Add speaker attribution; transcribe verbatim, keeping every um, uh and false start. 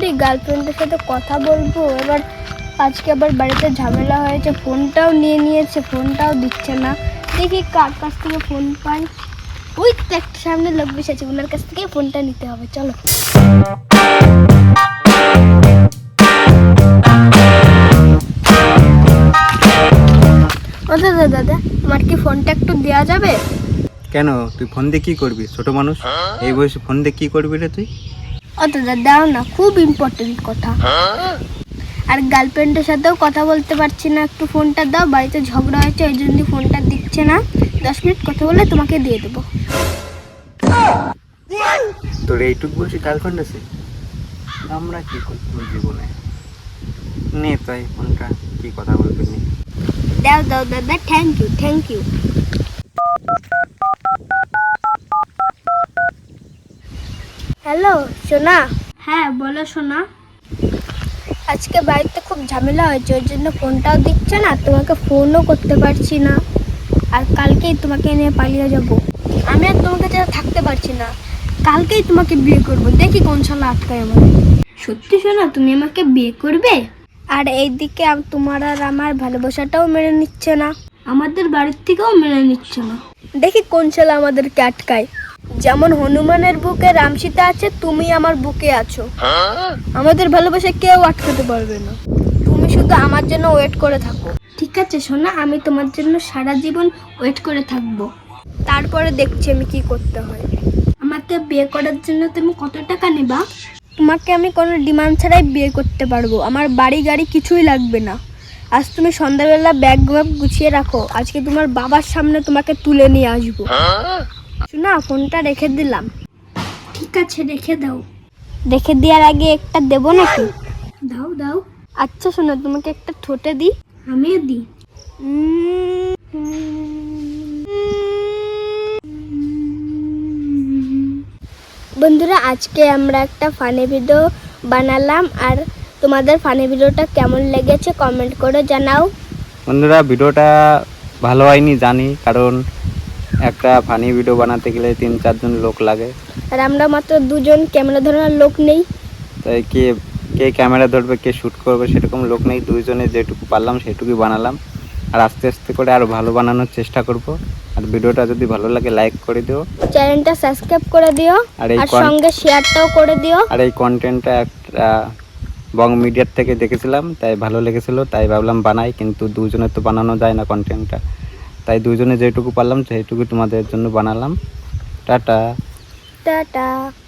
Speaker 1: করি, গার্লফ্রেন্ডের সাথে কথা বলবো। এবার আজকে আবার বাড়িতে ঝামেলা হয়েছে, ফোনটাও নিয়ে নিয়েছে, ফোনটাও দিচ্ছে না। দেখি কার কাছ থেকে ফোন পাই। ওই তো একটা সামনে লোক বসেছে, ওনার কাছ থেকে ফোনটা নিতে হবে। চলো। ও দাদা দাদা আমার কি ফোনটা একটু দেওয়া যাবে?
Speaker 2: কেন, তুই ফোন দিয়ে কি করবি? ছোট মানুষ, এই বয়সে ফোন দিয়ে কি করবি রে তুই?
Speaker 1: ও দাদা দাও না, খুব ইম্পর্টেন্ট কথা। আর গার্লফ্রেন্ডের সাথেও কথা বলতে পারছি না, একটু ফোনটা দাও। বাড়িতে ঝগড়া হয়েছে, ওই জন্য ফোনটা দিচ্ছে না। দশ মিনিট কথা বলে তোমাকে দিয়ে দেবো।
Speaker 2: তোর এইটুকু বয়সে গার্লফ্রেন্ড আছে? আমরা কি করবো জীবনে? নে তাই ফোনটা, কি কথা বলবি নি।
Speaker 1: দাও দাও দাদা, thank you thank you. Hello সোনা। হ্যাঁ বলো সোনা। আজকে বাড়িতে খুব ঝামেলা হয়েছে, ওই জন্য ফোনটাও দিচ্ছে না, তোমাকে ফোনও করতে পারছি না। আর কালকেই তোমাকে নিয়ে পালিয়ে যাব। আমি আর তোমাকে ছাড়া থাকতে পারছি না। কালকেই তোমাকে বিয়ে করব, দেখি কোন শালা আটকায় আমাকে। সত্যি সোনা, তুমি আমাকে বিয়ে করবে? আর এইদিকে তোমার আর আমার ভালোবাসাটাও মেনে নিচ্ছে না, আমাদের বাড়ির থেকেও মেনে নিচ্ছে না। দেখি কোন শালা আমাদেরকে আটকায়। যেমন হনুমানের বুকে রাম সীতা আছে, তুমি আমার বুকে আছো। আমাদের ভালোবাসা কেউ আটকাতে পারবে না। তুমি শুধু আমার জন্য ওয়েট করে থাকো। ঠিক আছে সোনা, আমি তোমার জন্য সারা জীবন ওয়েট করে থাকবো। তারপরে দেখছি আমি কি করতে হয়। আমাকে বিয়ে করার জন্য তুমি কত টাকা নেবা? তোমাকে আমি কোনো ডিমান্ড ছাড়াই বিয়ে করতে পারবো। আমার বাড়ি গাড়ি কিছুই লাগবে না। আজ তুমি সন্ধ্যাবেলা ব্যাগ ব্যাগ গুছিয়ে রাখো, আজকে তোমার বাবার সামনে তোমাকে তুলে নিয়ে আসবো। শোনা, ফোনটা রেখে দিলাম। ঠিক আছে রেখে দাও। রেখে দেওয়ার আগে একটা দেবো নাকি? দাও দাও। আচ্ছা শোনো, তোমাকে একটা ঠোঁটে দিই। আমিও দিই। বন্ধুরা, আজকে আমরা একটা ফানি ভিডিও বানালাম। আর তোমাদের ফানি ভিডিওটা কেমন লেগেছে কমেন্ট করে জানাও।
Speaker 2: বন্ধুরা, ভিডিওটা ভালো হয়নি জানি, কারণ একটা ফানি ভিডিও বানাতে গেলে তিন চারজন লোক লাগে,
Speaker 1: আর আমরা মাত্র দুজন, ক্যামেরা ধরার লোক নেই।
Speaker 2: তাই কে কে ক্যামেরা ধরবে, কে শ্যুট করবে সেরকম লোক নেই। দুইজনে যেটুকু পারলাম সেটুকুই বানালাম। আর আস্তে আস্তে করে আরও ভালো বানানোর চেষ্টা করব। আর ভিডিওটা যদি ভালো লাগে লাইক করে দিও,
Speaker 1: চ্যানেলটা সাবস্ক্রাইব করে দিও,
Speaker 2: আর এই
Speaker 1: আর সঙ্গে শেয়ারটাও করে দিও।
Speaker 2: আর এই কন্টেন্টটা একটা বং মিডিয়ার থেকে দেখেছিলাম, তাই ভালো লেগেছিল, তাই ভাবলাম বানাই। কিন্তু দুজনের তো বানানো যায় না কন্টেন্টটা, তাই দুজনে যেটুকু পারলাম সেইটুকু তোমাদের জন্য বানালাম। Tata
Speaker 1: tata.